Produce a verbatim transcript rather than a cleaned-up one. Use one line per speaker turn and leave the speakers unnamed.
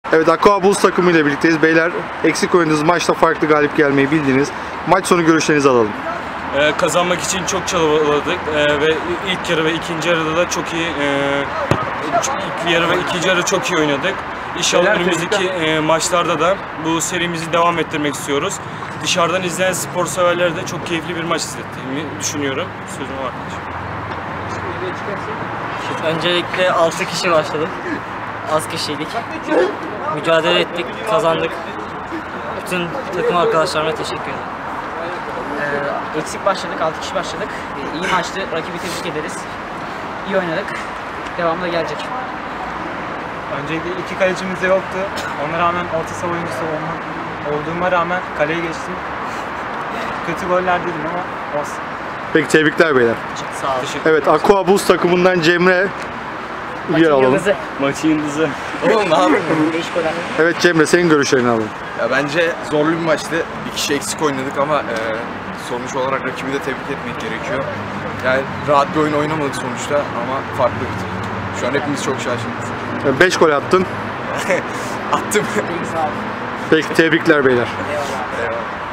Evet, Aqua Bulls takımıyla birlikteyiz. Beyler, eksik oynadığınız maçta farklı galip gelmeyi bildiniz. Maç sonu görüşlerinizi alalım.
Ee, kazanmak için çok çabaladık ee, ve ilk yarı ve ikinci yarıda da çok iyi e, ilk yarı ve ikinci yarı çok iyi oynadık. İnşallah önümüzdeki e, maçlarda da bu serimizi devam ettirmek istiyoruz. Dışarıdan izleyen spor severlere de çok keyifli bir maç izlettiğimi düşünüyorum. Sözüm var.
Öncelikle altı kişi başladık. Az kişiydik. Mücadele ettik, kazandık. Bütün takım arkadaşlarıma teşekkür ederim.
Ee, eksik başladık, altı kişi başladık. Ee, iyi maçtı, rakibi tebrik ederiz. İyi oynadık. Devamı da gelecek.
Öncelikle iki kalecimiz de yoktu. Ona rağmen orta saha oyuncusu olma, olduğuma rağmen kaleye geçtim. Kötü goller dedim ama olsun.
Peki, tebrikler beyler.
Sağ olun.
Evet, Aqua Bulls takımından Cemre yer alalım.
Maçın yıldızı.
Oğlum ne yapayım? Değişik goller.
Evet Cemre, senin görüşlerini alalım.
Ya bence zorlu bir maçtı. Bir kişi eksik oynadık ama e, sonuç olarak rakibi de tebrik etmek gerekiyor. Yani rahat bir oyun oynamadık sonuçta ama farklı bitti. Şu an hepimiz çok şaşırdık.
beş gol attın.
Attım.
Peki, tebrikler beyler.
Eyvallah.
Eyvallah.